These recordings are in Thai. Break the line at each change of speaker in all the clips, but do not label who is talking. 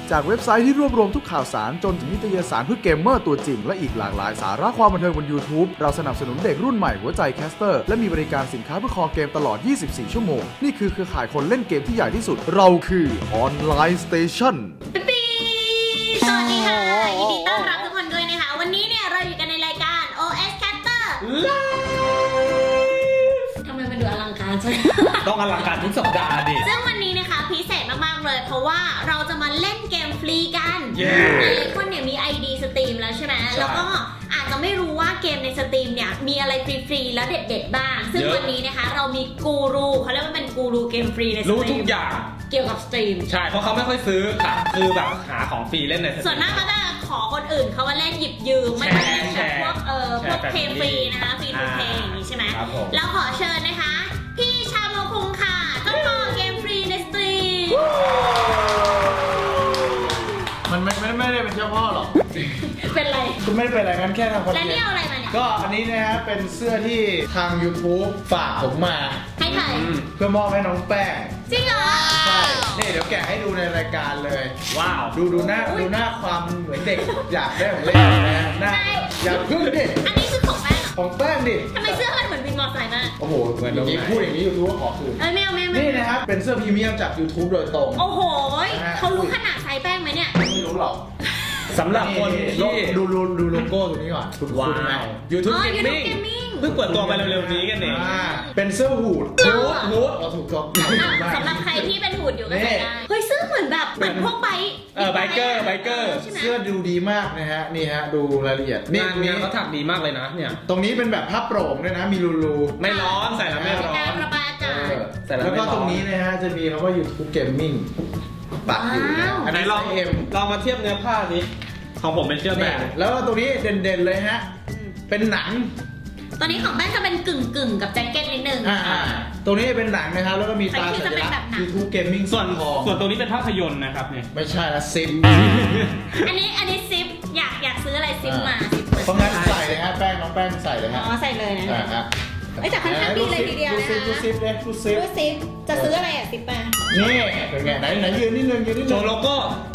จากเว็บไซต์ที่รวบรวมทุกข่าวสารจนถึงนิตยสารเพื่อเกมเมอร์ตัวจริงและอีกหลากหลายสาระความบันเทิงบน YouTube เราสนับสนุนเด็กรุ่นใหม่หัวใจแคสเตอร์และมีบริการสินค้าเพื่อคอเกมตลอด 24 ชั่วโมงนี่คือเครือข่ายคนเล่นเกมที่ใหญ่ที่สุดเราคือออนไลน์สเตชัน
ปีสวัสดีค่ะยินดีต้อนรับทุกคนด้วยนะคะวันนี้เนี่ยเราอยู่กันในรายการ OS Caster ทำไมมันดูอลังการใช่ไหม
ต้องอลังการทุกสัปดาห์ดิ
ซึ่งวันนี้นะคะพิเศษมากๆเลยเพราะว่าเราจะมาเล่นเกมฟรีกันหลายคนเนี่ยมี ID สตรีมแล้วใช่ไหมแล้วก็อาจจะไม่รู้ว่าเกมในสตรีมเนี่ยมีอะไรฟรีๆแล้วเด็ดๆบ้างซึ่งวันนี้นะคะเรามีกูรูเขาเรียกว่าเป็นกูรูเกมฟรีในสตรีม
รู้ทุกอย่าง
เกี่ยวกับสตรีม
ใช่เพราะเขาไม่ค่อยซื้อค่ะคือแบบหาของฟรีเล่นในสตรีม
ส่วนมากก็จะขอคนอื่นเขามาเล่นหยิบยืมไม่ได้เล่นแบบพวกเพลงฟรีนะคะฟรีทูเพลงอย่างนี้ใช่ไหมแล้วขอเชิญนะคะพี่ชาโมคุงค่ะเจ้าของเกมฟรีในสตรีม
มันไม่ได้เป็นเจ้าพ่อหรอก
เป็นไร
คุณไม่ได้เป็นอะไรงั้นแค่ทำคอนเทนต์
แล้วนี่เอาอะไรมาเนี่ย
ก็อันนี้นะฮะเป็นเสื้อที่ทาง YouTube ฝากผมมา
ให้ใคร
เพื่อมอบให้น้องแป้ง
จริงเหรอ
ใช่นี่เดี๋ยวแกะให้ดูในรายการเลย
ว้าว
ดูหน้าความเหมือนเด็กอยากได้ของเล่นนะหน้าอยากพึ่งดิ
อันนี้คือของแป้ง
ของแป้งดิ
ทำไมเสื้อมันเหมือนวินมอเตอร์ไซค์มาก
โอ้โหเหมือนอย่างนี้พูดอย่างนี้ YouTube ก็ขอคืน
ไม่เอา
นี่นะครับเป็นเสื้อพรีเมียมจาก YouTube โดยตรง
โอ้โหเขารู้ขนาดไซส์แป้งไหมเนี่ย
ไม่รู้หรอก
สำหรับคนที่
ดูโลโก้ตรงนี้ก่อนคุณไหม
YouTube Gaming เพิ่งเปิดตัวไปเร็วๆนี้กันเอง
เป็นเสื้อหูดเราถูกต้อง
สำหรับใครที่เป็นหูดอยู่ก็ใส่ได้เฮ้ยเสื้อเหมือนแบบเหมือนพวกไบเกอร์
เสื้อดูดีมากนะฮะนี่ฮะดูรายละเอียด
นี่เขาถักดีมากเลยนะเนี่ย
ตรงนี้เป็นแบบผ้าโปร่งด้วยนะมีรู
ไม่ร้อนใส่แล้วไม่ร้อน
ระบายอากาศ
แล้วก็ตรงนี้นะฮะจะมีคำว่า YouTube Gaming ปักอยู่นะ
อันนี้ลองมาเทียบเนื้อผ้านี้ของผมเป็นเสื้อแบบ
แล้วตรงนี้เด่นๆเลยฮะเป็นหนัง
ตอนนี้ของแป้งจะเป็นกึ่งกับแจ็คเก็ตนิดนึง
ตรงนี้เป็นหนังนะครับแล้วก็มีตาสัญลักษณ์ YouTube Gaming
ส่วนตรงนี้เป็นภาพยนตร์นะครับเนี่ย
ไม่ใช่นะซิป
อันนี้ซิปอยากซื้ออะไรซิปมา
เพราะงั้นใส่เลยฮะแป้งน้องแป้งใส่เลยฮะ
อ๋อใส่เลยนะแต่ค่อนข้างดีเลยทีเดียวนะคะ
ดูซิป
จะซื้ออะไรอ่ะซิปมา
นี่เป็นไงไหนยืนนิดนึง
โชว์โลโก้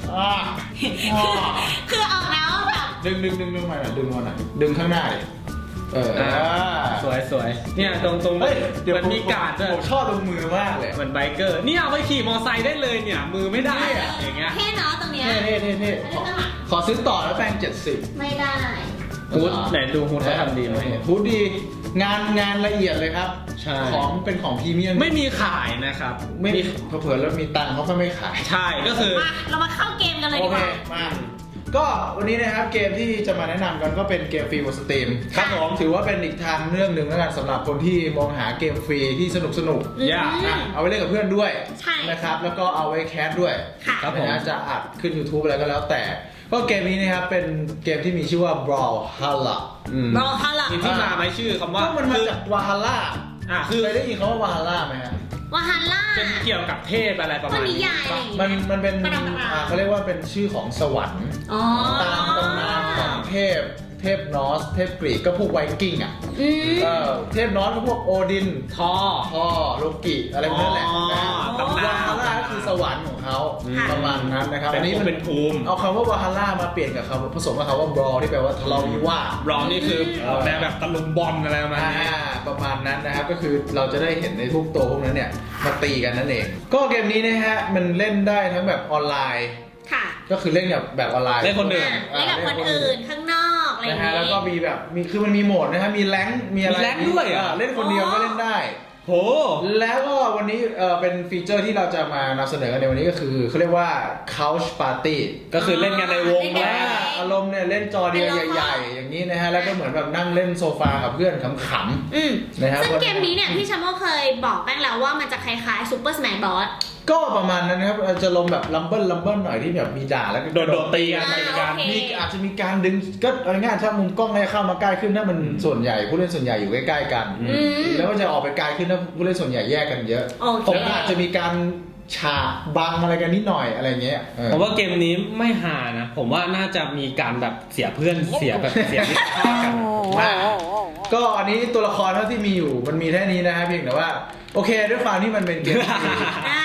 คือออกแล้วแบบ
ดึงมาหน่อยดึงมาหน่อยดึงข้างหน้าเลย
สวยเนี่ยตรงมันมีการ์ดด้วย
ผมชอบตรงมือมากเลย
เหมือนไบเกอร์นี่เอาไปขี่มอไซค์ได้เลยเนี่ยมือไม่ได้อย่างเงี้ย
เท่เนาะตรงเนี้ย
เท่ขอซื้อต่อแล้วแป้ง70
ไม่ได้
ฮูดไหนดูฮูดเขาทำดีไหม
ฮูดดีงานละเอียดเลยครับของเป็นของพรีเมียม
ไม่มีขายนะครับ
ไม่มีเผื่อแล้วมีตังค์เขาก็ไม่ขาย
ใช่ก็คือ
เรามาเข้าเกมกันเลยดีกว่า
มาก็วันนี้นะครับเกมที่จะมาแนะนำกันก็เป็นเกมฟรีบนสตรีม
ครับผม
ถือว่าเป็นอีกทางเรื่องหนึ่งแล้วกันสำหรับคนที่มองหาเกมฟรีที่สนุกเอาไว้เล่นกับเพื่อนด้วยนะครับแล้วก็เอาไว้แคสด้วย
ครับ
ผมจะอัดขึ้น YouTube อะไรก็แล้วแต่ก็เกมนี้นะครับเป็นเกมที่มีชื่อว่า Brawlhalla
มีที่มาไหมชื่อคำว่า
มันมาจาก Valhalla
คือ
เคยได้ยินคำว่า Valhalla ไหมฮะ
Valhalla
เป็นเกี่ยวกับเทพอะไรประมาณนี้
มันเป็นเขาเรียกว่าเป็นชื่อของสวรรค์ตามตำนานของเทพนอร์สเทพกรีกก็พวกไวกิ้งเทพนอร์สก็พวกโอดินทอโลกิอะไรพวกนั้นแหละ
ตำนาน
วาฮาร่าคือสวรรค์ของเขาประมาณนั้นนะครับ
อันนี้มันเป็นภูมิ
เอาคำว่าวาฮาร่ามาเปลี่ยนกับคำผสมกับคำว่าบรอที่แปลว่าทะเลาะวิวาท
บรอนี่คือแนวแบบตะลุมบอลอะไรประมาณนี้
ประมาณนั้นนะครับก็คือเราจะได้เห็นในทุกตัวพวกนั้นเนี่ยมาตีกันนั่นเองก็เกมนี้นะฮะมันเล่นได้ทั้งแบบออนไลน์ก็คือเล่นแบบออนไลน์
เล่นคนอื่น
ข้างนอกอะไรอย่างเงี้ย
แล้วก็มีแบบคือมันมีโหมดนะครับมีแรงมีอะไร
แรงด้วย
เล่นคนเดียวก็เล่นได้
โห
แล้วก็วันนี้เป็นฟีเจอร์ที่เราจะมานำเสนอกันในวันนี้ก็คือเขาเรียกว่า Couch Party
ก็คือเล่นกันในวง
แล้วอารมณ์เนี่ยเล่นจอเดียวใหญ่ๆอย่างนี้นะฮะแล้วก็เหมือนแบบนั่งเล่นโซฟากับเพื่อนขำ
ๆนะครับซึ่งเกมนี้เนี่ยพี่ชาโมเคยบอกแป้งแล้วว่ามันจะคล้ายๆ Super Smash Bros
ก็ประมาณนั้นนะครับจะลงแบบลัมเบิลหน่อยที่แบบมีด่าแล้วก็
โดดตีกัน
มีอาจจะมีการดึงก็เอาง่ายๆถ้ามุมกล้องเนี่ยเข้ามาใกล้ขึ้นถ้ามันส่วนใหญ่ผู้เล่นส่วนใหญ่อยู่ใกล้ๆกันแล้วก็จะออกไปไกลขึ้นถ้าผู้เล่นส่วนใหญ่แยกกันเยอะผมอาจจะมีการฉากบังอะไรกันนิดหน่อยอะไรเงี้ย
ผมว่าเกมนี้ไม่หานะผมว่าน่าจะมีการแบบเสียเพื่อนเสียมิตรภาพกัน
ก็อันนี้ตัวละครเท่าที่มีอยู่มันมีแค่นี้นะฮะเพียงแต่ว่าโอเคด้วยความที่มันเป็นเกมอัน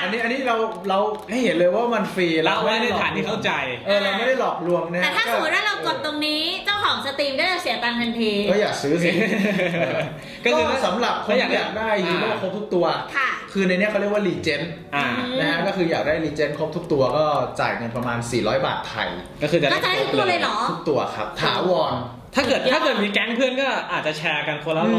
อันนี้เราให้เห็นเลยว่ามันฟรี
เราไว้ในฐานที่เข้าใจ
เราไม่ได้หลอกลวงนะ
แต่ถ้าสมมติว่าเรากดตรงนี้เจ้าของสตรีมก็จะเสียตังค์ทันที
ก็อยากซื้อสิ
ก็คือ
สำหรับคนที่อยากได้ฮีโร่ครบทุกตัว
ค่ะ
คือในเนี้ยเขาเรียกว่ารีเจน นะฮะก็คืออยากได้รีเจนครบทุกตัวก็จ่ายเงินประมาณ400 บาทไทย
ก็คือจะ
ก็จะได้ทุกตัวเลยเหรอ
ทุกตัวครับถาวร
ถ้าเกิดมีแก๊งเพื่อนก็อาจจะแชร์กันคนละ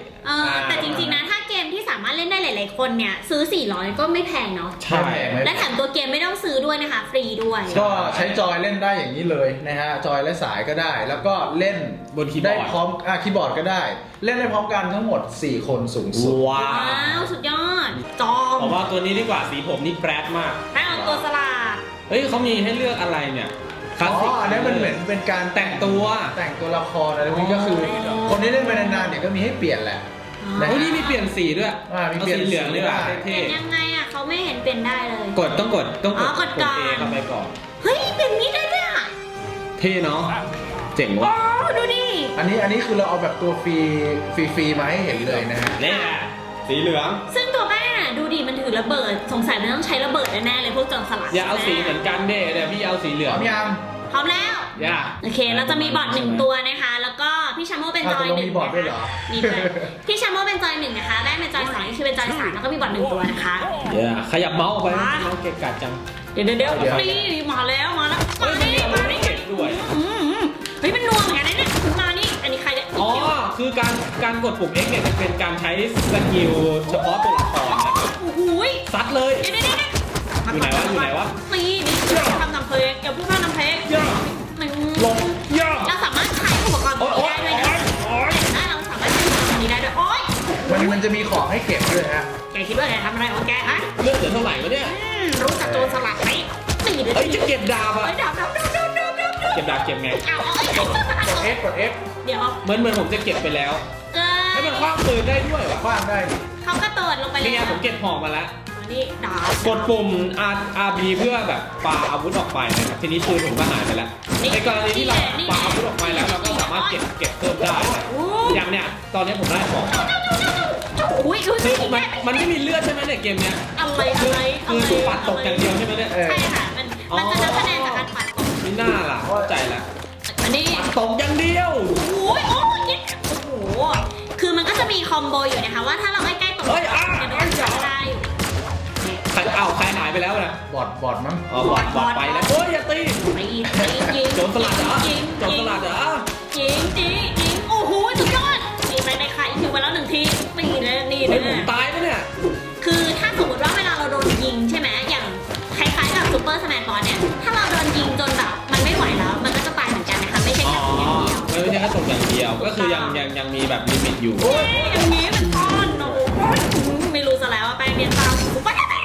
100
แต่จริงๆนะถ้าเกมที่สามารถเล่นได้หลายๆคนเนี่ยซื้อ400ก็ไม่แพงเนาะ
ใช่
และแถมตัวเกมไม่ต้องซื้อด้วยนะคะฟรีด้วย
ก็ใช้จอยเล่นได้อย่างนี้เลยนะฮะจอยและสายก็ได้ แล้วก็เล่น
บนคีย์บอร์ด
ได้พร้อมคีย์บอร์ดก็ได้ เล่นได้พร้อมกันทั้งหมด4 คนสูงสุด
ว้า
ว้าว วสุดยอด จอม
ผมว่าตัวนี้ดีกว่าสีผมนี่แปรดมาก
แม่เอาตัวสลัด
เฮ้ยเขามีให้เลือกอะไรเนี่ยคลาสสิก
อันนี้มันเหมือนเป็นการ
แต่งตัว
แต่งตัวละครอะไรพวกนี้ก็คือ คนที่เล่นไปนานๆเดี๋ยวก็มีให้เปลี่ยนแหละ นะ
โอ้ยนี่มีเปลี่ยนสีด้วย
มีเปลี่ยน
อาสีเหลืองดีกว่า
สีได้
เท่
เป็นยังไงอ่ะเขาไม่เห็นเป็นได้เลย
ๆต้องกด
อ๋อกดก่อน
เอเข้าไปก่อน
เฮ้ยเป็นนี้ได้ด้วยอ่ะ
เท่เนาะเจ๋ง
โอ้
ว่ะ
ดูดิ
อันนี้คือเราเอาแบบตัวฟรีมาให้เห็นเลยนะฮะ
เนี่ยสีเหลือง
ซึ่งตัวแม่ดูดิมันถือระเบิดสงสัยมันต้องใช้ระเบิดแน่ๆเลยพวกโจรสลัด
อย่าเอาสี
ใช่
เหมือนกันเด้เดี๋ยวพี่เอาสีเหลื
พ
อง
ร้อมยัง
พร้อมแล้ว
อย่า
โอเค เราจะมีบอร์ดหนึ่งตัวนะคะ แล้วก็พี่ชาโมเป็นจอยหนึ่ง
มีบอร์ดด้วยเหรอ
มีด้วยพี่ชาโมเป็นจอยหนึ่งนะคะแม่เป็นจอยสองนี่คือเป็นจอยสามแล้วก็มีบอร์ดหนึ่งตัวนะคะ
อย่าขยับเมาส์ออกไป
ว้า
เมาส์เกะกะจัง
เดี๋ยวนี่มาแล้วมา
เฮ้ยมันมีอาวุธให้เก็บด้วย
เฮ้ยมันนัวเหมือนกันนะเนี่ยมานี่อันนี้ใครเนี่ย
อ๋อ คือการกดปุ่ม X เนี่ยจะเป็นการใช้สกิลเฉพาะตัวละครนะครับ
โอ้โห
ซัดเลย
เดี๋ยว
อยู่ไหนวะ
นี่ทำนำเพลงอย่าพูดว่าน้ำเพลง
ลงย่า
เราสามารถขายอุปกรณ์
โอ๊ยโอ๊ย
ได้ด้วยนะ
โอ๊ย
ได้เราสามารถใช้อุปกรณ์นี้ได้ด้วยโอ๊ย
มันจะมีของให้เก็บด้วยฮะ
แกคิดว่าแกทำอะไรของแกฮะ
เลือดเหลือเท่าไหร่วะเนี่ย
รู้จักโจรสลัดไหมตีเลย
เฮ้ยจะเก็บดาบอะ
เฮ้ยดับ
เก็บดาบเก็บไง
เอา
กด F กด F
เดี๋ยว
เหมือนผมจะเก็บไปแล้ว
เกิ
ให้มันคว้างปืนได้ด้วยวะ
คว้างได้ดิ
เขากระโดดลงไปเล
นี่
ย
ไงผมเก็บหอกมาแล้ว
นี่ดาบ
กดปุ่ม RB เพื่อแบบปาอาวุธออกไปนะครับทีนี้ปืนผมก็หายไปแล้วในกรณีที่เราปาอาวุธออกไปแล้วเราก็สามารถเก็บเพิ่มได้นะอย่างเนี้ยตอนนี้ผมได้ของ
อุ้ยดู
คื
สิ
อมันไม่มีเลือดใช่ไหมเนี่ยเกมเนี้ย
อะไร
คือถูกปัดตกอย่างเดียวใช่ไหมเนี่ย
ใช่ค่ะมันจะนับคะแนนจากการปัดตก
ไม่น่าล่ะเข้าใจแล้ว
อันนี้
ปัดตกอย่างเดียว
โอ้โหคือมันก็จะมีคอมโบอยู่นะคะว่าถ้าเราใกล้ๆตรง
เฮ้ย
จะโดนจับได้อยู่
ใครหายไปแล้วนะ
บอดมั้ง
อ๋อบอดไปแล้วโอ้ยอย่าตี
ยิง
โจรสลัดเหรอโจรสลัดเหรอ
ยิงโอ้โหสุดยอดนี่ไปในไข่คิวไปแล้วหนึ่งทีนี่เลยนี่
เฮ้ย
เล
ผม
ย
ตายปะเนี่ย
คือถ้าสมมติว่าเวลาเราโดนยิงใช่ไหมอย่างคล้ายๆกับซูเปอร์สแมนบอลเนี่ยถ้าเราโดนยิงจนแบบมันไม่ไหวแล้ว มันก็จะตายเหมือนกันนะคะไม่ใช่
อ๋อ
แค่ตรงอย่างเดียว
ไม่ใช่แค่ตกอย่างเดียว ก็คือยังมีแบบลิมิตอยู่
อย่างนี้เป็นก้อนโอ้โหไม่รู้ซะแล้วว่าแป้งเรียนตามกูไปไหน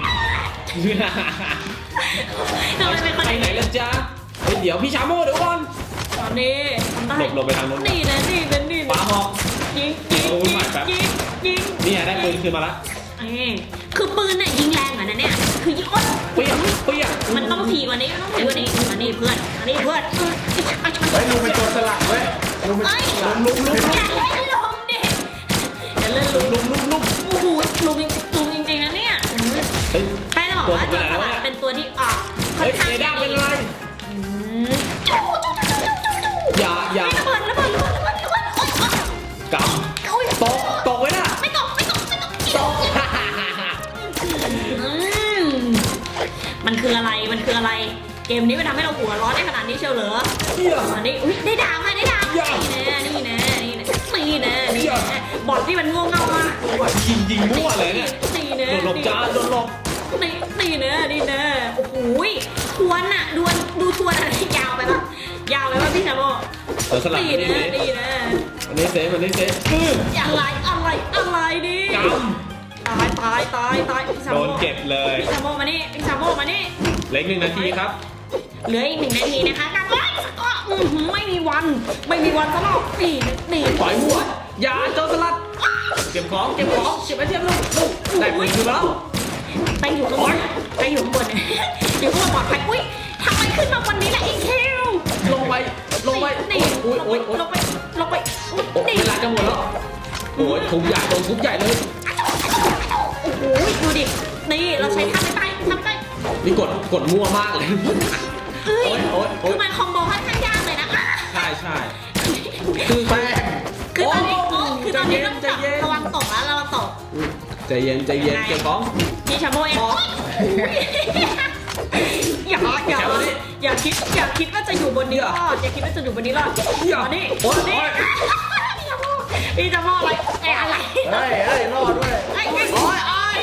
ทำไมเป็นคน
ไปไหนล่ะจ๊ะเฮ้ยเดี๋ยวพี่ชาโม่เดี๋ยวก่อน
ตอนนี้ทำได้
หลบไปทางโน้น
นี่นะนี่เป็นนี่
ปาหอก
ยิง
นี่ได้ปืนคืนมาละ
คือปืนน่ะยิงแรงเหมือนนั้นเนี่ยคือยิงโอ๊ย
เปี้ยง
มันต้องถี่กว่านี้ต้องถี่กว่านี้อันนี้เพื่อน
เฮ้ยลุงเป็นตัวสลัดเว้ยลุงเป็นลุง
อย่าเล่นลมดิอย่าเล่นลม
ลุก
โอ้โหลุมจริงๆนะเนี่ย
เฮ้ย
แป้งจะบอกว่าโจรสลัดเป็นตัวที่ออกค่อ
เฮ้
น
ย
ข้าง
เอด้าเป็นไร อย่า
ระเบิด
กำตกไว้น่ะ
ไม่ตก
ตก
มันคืออะไรเกมนี้มันทำให้เราหัวร้อนได้ขนาดนี้เชียวเหรออันนี้อุ้ยได้ดาวค่ะได้ดาวนี่นะบอดที่มันง่วงเง่ามาก
ยิงมั่วเลยเนี่ย
นี่นะ
โดนหลบจ้าโดนหลบ
นี่นะโอ้โหทวนอ่ะดูทวนอะไรยาวไปป่ะพี่ชาโม
สลับ
นี่นะ
อันนี้เซฟอะไร
อะไรดิ
กำ
ตายพี่ชา
โด
โม
นเก็บเลย
พี่ชาโมมานี่
เหลืออีก1 นาทีครับ
เหลืออีก1 นาทีนะคะกันไว้ก็ไม่มีวันซะหรอกนี่
ปล่อยหัวอย่าโจรสลัด เก็บของเก็บไอเทมลูกได้ปืนคืนมาแล้ว
ไปอยู่ข้างบนอยู่ข้างบนปลอดภัยอุ้ยทำไมขึ้นมาวันนี้ล่ะอีคิว
ลงไป
นี่
โอ้ย
ลงไป
เวลาจะหมดแล้วโอ้ยทุบใหญ่เลย
โอ้โหดูดินี่เราใช้ท่าไม่ตาย
นี่กดมั่วมากเลย
เอ้ย
โอ๊ย
คือมันคอมโบค่อนข้างยากเลยนะ
ใช่คือแป้ง
คือตอนนี้
โอ้
คือตอนนี้ต้อง
ใจเย็น
ระวังตกแล้วระวังตก
ใจเย็นเก็บของ
นี่ชาโมเอง
อ๋อ
อย่าคิดว่าจะอยู่บนนี้รอดอย่าคิดว่าจะอยู่บนนี้รอดนี่
โอ๊ย
นี่พี่ชาโมอะไรอะไร
เฮ้ยรอดด้วย
โอ้ย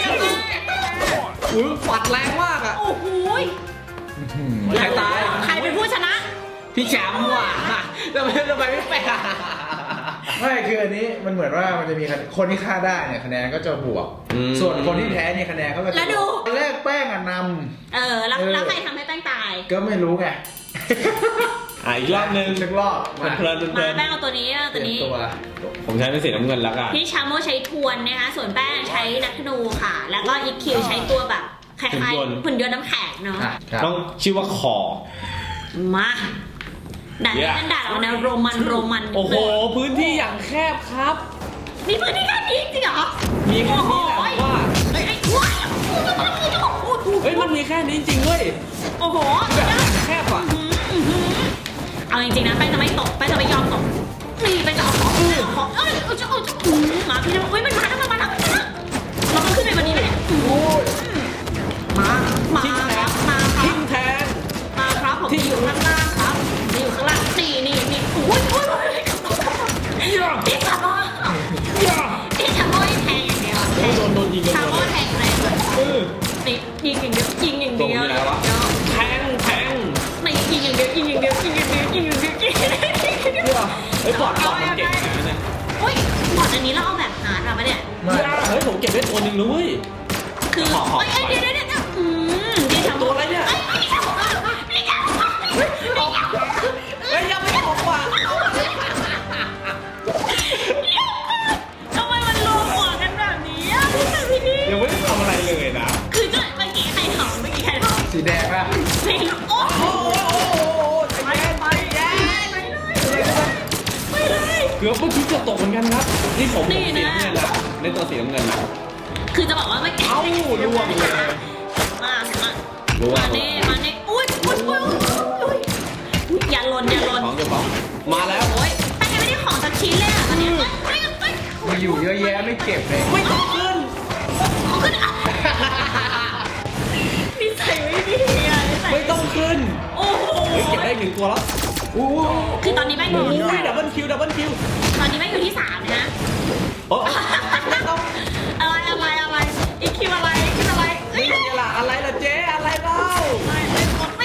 อุ้ยปัดแรงมากอ่ะ
โอ้โห
ใครตาย
ใครเป็นผู้ชนะ
พี่แชมป์ว่ะทำไมไม่แปล
ไม่คืออันนี้มันเหมือนว่ามันจะมีคนที่ฆ่าได้เนี่ยคะแนนก็จะบวก ส่วนคนที่แพ้เนี่ยคะแนนเขาก็จะแรกแป้งอ่ะน
แล้วใครทำให้แป้งตาย
ำก็ไม่รู้ไง
อีกรอบนึง
สักรอบมา
เพลิน
มาแป้งเอาตัวนี้ตัวนี้
ตัว
ผมใช้เป็นสีน้ำเงินแล้วกัน
พี่ชาโมใช้ทวนนะคะ ส่วนแป้งใช้นักธนูค่ะ แล้วก็อีคิวใช้ตัวแบบคล้ายๆหุ่นยนต์น้ำแข็งเนาะ
ต้องชื่อว่าคอ
มาด่านนี้เป็นด่านเอาแนวโรมัน
โอ้โหพื้นที่อย่างแคบครับ
มีพื้นที่แค่นี้จริงเหรอ
มีแค่นี้แหละว่า
ไอ้ว้าย
เฮ้ยมันมีแค่นี้จริงเว้ย
โอ้โห
แบบแคบอ่ะ
เอาจริงๆนะแป้งจะไม่ตกแป้งจะไม่ยอมตกนี่แป้งจะเอาของมาพี่จะบอกมันมาแล้วเราต้องขึ้นไปวันนี้ไหมมา
ทิ้งแทน
มาครับผมที่อยู่ข้างล่างครับที่อยู่ข้างล่างนี่โอ้ยพี่ชาโม่พี่ชาโม่แทงอย่างเดียว
โดนยิงกัน
ชา
หม
โม่
ด
แทงเลยนี่ยิงอย่างเดียวแทง
นี่ยิงอย่างเดียวเฮ้ยบอดมันเก่งนะเนี่ย
โอ้ยบอดอันนี้เราเอาแบบหาทำปะเนี่ย
เฮ้ยผมเก็บได้ตัวหนึ่งเลย
คือเดี๋ยวพี่ชาโม่
ตัวอะไรเนี่ยเฮ้ยยังไม่ตกว่ะ
ทำไมมันรวมหัวกันแบบนี้อ่ะพี่ดี
ยังไม่ได้ทำอะไรเลยนะ
คือก็เมื่อกี้ใครทำ
สีแดงป่ะ
ไม่รู้โอ้โห
ไปเลย เกือบเมื่อกี้เกือบตกเหมือนกันครับ นี่ผมสีน้ำเงินนะในตัวสีน้ำเงินนะ
คือจะบอกว่าไม่ล่วงเลยมานี่อุ้ยอย่าหล่น
ของเจ้าของมาแล้ว
โอ้ยแต่ยังไม่ได้ของสักชิ้นเลยอ่ะตอนนี้
มีอยู่เยอะแยะไม่เก็บเลย
ไม่ต้องขึ้น
ของขึ้นนิสัยไม่ดีอ่ะ
ไม่ต้องขึ้น
โอ้โห
เก็บได้หนึ่งตัวแล้ว
คือตอนนี้แม่งอยู่ที่
ดับเบิลคิว
ตอนนี้แม่งอยู่ที่3นะ
โอ้ไม่ต้อง
อะไรอีคิวอะไร
นี่อะไรล่ะเจ๊อะไรเล่าไม่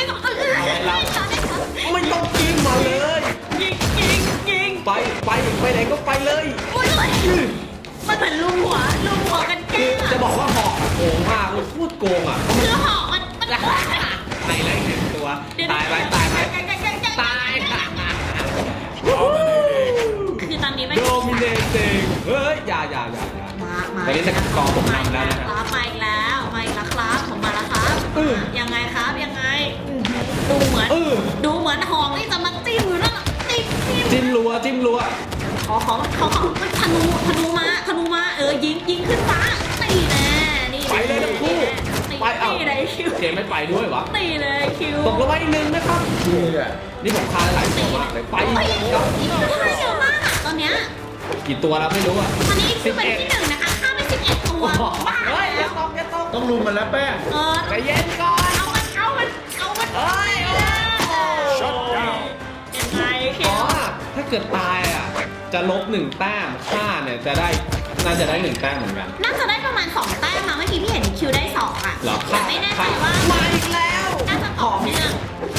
ต้องกินมาเลย
ยิง
ไปไหนก็ไปเลย
มันเหมือนลุมหัวกันแก้
จะบอกว่าหอกโกงมากเลยพูดโกงอ่ะ
คือหอกมัน
ไปเลยหนึ่งตัวตายไหม
คือตอนนี้ไม่
โดมิเนติงเฮ้ยอย่าตอนนี้จะกองผมนำแล้วนะครับ
มาอีกแล้วครับผมมาแล้วครับยังไงครับดูเหมือนหอกนี่จะมาจิ้มอยู่นั่น
จิ้มรัว
เขาธนูมายิงขึ้นฟ้าตีแน่นี่
ไปเลยทั้งคู่ไปเอา
ตีเลยคิว
เจไม่ไปด้วยวะ
ตีเลยคิว
ตกลงมาอีกหนึ่งนะครับ นี่ผมคาหลายตัวมากเลยไปครับ
เยอะมากตอนเนี้ย
กี่ตัวแล้วไม่รู้อ่ะ
ตอนนี้คือเป็นที่1นะคะฆ่าไป11ตัวบ้า
เฮ้ยอย่าตก
ต้องรุมมันแล้วแป้ง
ใจเย็นก่อน
เอามัน
เฮ้ย
ยังไงคิ
อ๋อ
ว
ถ้าเกิดตายอ่ะจะลบ1แต้มฆ่าเนี่ยน่าจะได้1แต้มเหมือนกัน
น่าจะได้ประมาณ2แต้มนะเมื่อกี้พี่เห็นคิวได้2อ่ะ
หรอ
แต่ไม่แน่ใจว่า
มาอีกแล้ว
น่าจะต่อเนื่อง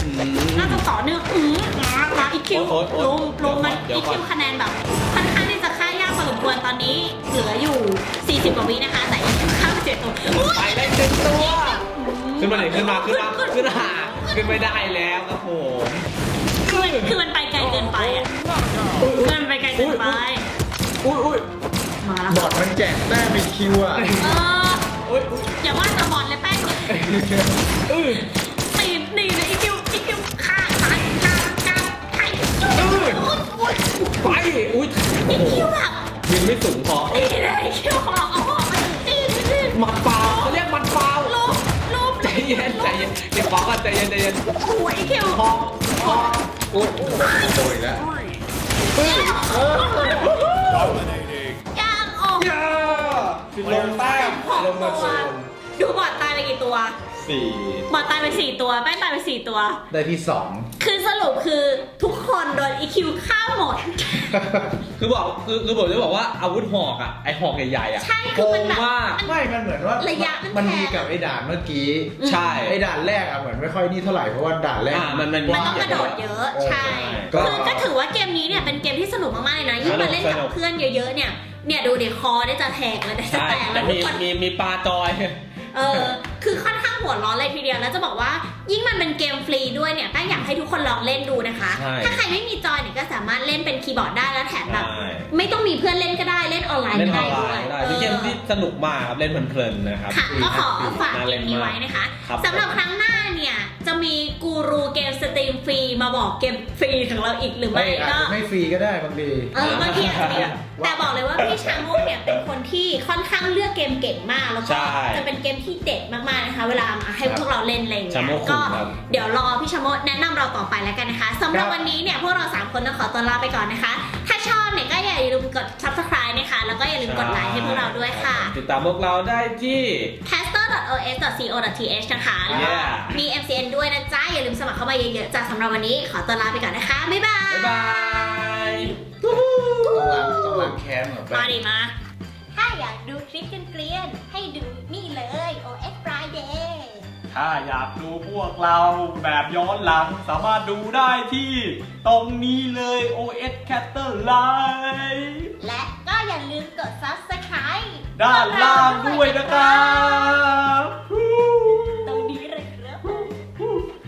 มาอีคิวลงมันอีคิวคะแนนแบบค่อนข้างที่จะฆ่ายากพอสมควรตอนนี้เหลืออยู่40กว่าวินะคะแต่อีคิวฆ่าไป7ตัว
ไปได้1ตัวขึ้นมาไม่ได้แล้วครับผม
คือมันไปไกลเกินไปอ่ะมันไปไกลเกินไป
อุ้ย
มาแล้ว
บอดมันแจกแต้มเป็นคิวอ่ะ
อย่าว่าแต่บอลเลยแป้งตีนี่เลยอีคิวฆ่าตายไป
อุ้ย
อีคิวแบบ
ยิงไม่สูงพอ
ตีเลยอีคิวของเราเอาออกมาตี
หมัดเปล่าเขาเรียกหมัดเปล่า
ลูบ
ใจเย็นใจเย็นใจเย็น
โอ้ยคิว
โอ้โหโดยแล้ว
ยังออก
ย่าลงแต้มลงมาโซน
ดูบอดตายไปกี่ตัว
4
บอดตายไป4 ตัวแป้งตายไป4 ตัว
ได้ที่
คือสรุปคือทุกคนโดนอีคิวฆ่าหมด
คือบอกคือผมจะบอกว่าอาวุธหอกอ่ะไอหอกใหญ่ๆอ่ะ
ใช่
โก
คือมัน
ง
แบบ
มาก
2ไม่มันเหมือนว่า
ระยะมัน
มัน
แพง
ดีกับไอ้ด่านเมื่อกี้
ใช่
ไอ้ด่านแรกอะเหมือนไม่ค่อยนี่เท่าไหร่เพราะว่าด่านแรก
มัน
มันต้องกระโดดเยอะ ใช่
ก็
คือก็ถือว่าเกมนี้เนี่ยเป็นเกมที่สนุกมากๆเลยนะยิ่งมาเล่นกับเพื่อนเยอะๆเนี่ยดูเดี๋ยวคอได้จะแทกเลยได้จะ
ใช่
แตกแล้
แต่
วทุกคน
มีปลาจอย
คือค่อนข้างหัวร้อนเลยทีเดียวแล้วจะบอกว่ายิ่งมันเป็นเกมฟรีด้วยเนี่ยแป้งอยากให้ทุกคนลองเล่นดูนะคะ
ใช่
ถ้าใครไม่มีจอยเนี่ยก็สามารถเล่นเป็นคีย์บอร์ดได้แล้วแถมแบบ
ใช่
ไม่ต้องมีเพื่อนเล่นก็ได้เล่นออนไลน์
เล่น
ก็
อ
ได้
อนไล
ด้วย
น์ได้เป็นเกมที่สนุกมากครับเล่นเพลินๆนะครับ
ค่ะก็ขอฝาก
น่า
เก
เล่
ม
น
นี้
มาก
ไว้นะคะ
ครับ
สำหรับครั้งหน้าเนี่ยจะมีกูรูเกมสตรีมฟรีมาบอกเกมฟรีของเราอีกหรือ
ไม่
ไม่
อาจ
ก็
จะไม่ฟรีก็ได้บางที
บางทีอาจจะมีแต่บอกเลยว่าพี่ชาโมกเนี่ยเป็นคนที่ค่อนข้างเลือกเกมเก่งมากแล้วก็
ใช่
จะเป็นเกมที่เด็ดมากๆนะคะเวลามาให้พวกเราเล่นอะไรอย่างเงี้
ชาโม
ย
ก
ก็
ครับ
เดี๋ยวรอพี่ชาโมกแนะนำเราต่อไปแล้วกันนะคะสำหรับวันนี้เนี่ยพวกเรา3คนต้องขอตัวลาไปก่อนนะคะ ถ้าชอบเนี่ยก็อย่าลืมกด subscribe นะคะแล้วก็อย่าลืมกดไลค์ให้พวกเราด้วยค่ะ
ติดตามพวกเราได้ที่
caster.os.co.th นะคะแล้วก็
Yeah
มี MCN ด้วยนะจ๊ะอย่าลืมสมัครเข้ามาเยอะๆจ้ะสำหรับวันนี้ขอตัวลาไปก่อนนะคะบ๊ายบาย
บ๊ายบาย
ต้องล้างแค้นเหรอแป้
มาง ดิมา ถ้าอยากดูคลิปเกลียนๆให้ดูนี่เลย OS Friday
ถ้าอยากดูพวกเราแบบย้อนหลังสามารถดูได้ที่ตรงนี้เลย OS Caster Live
และก็อย่าลืมกด Subscribe
ด้านล่างด้วยนะครับ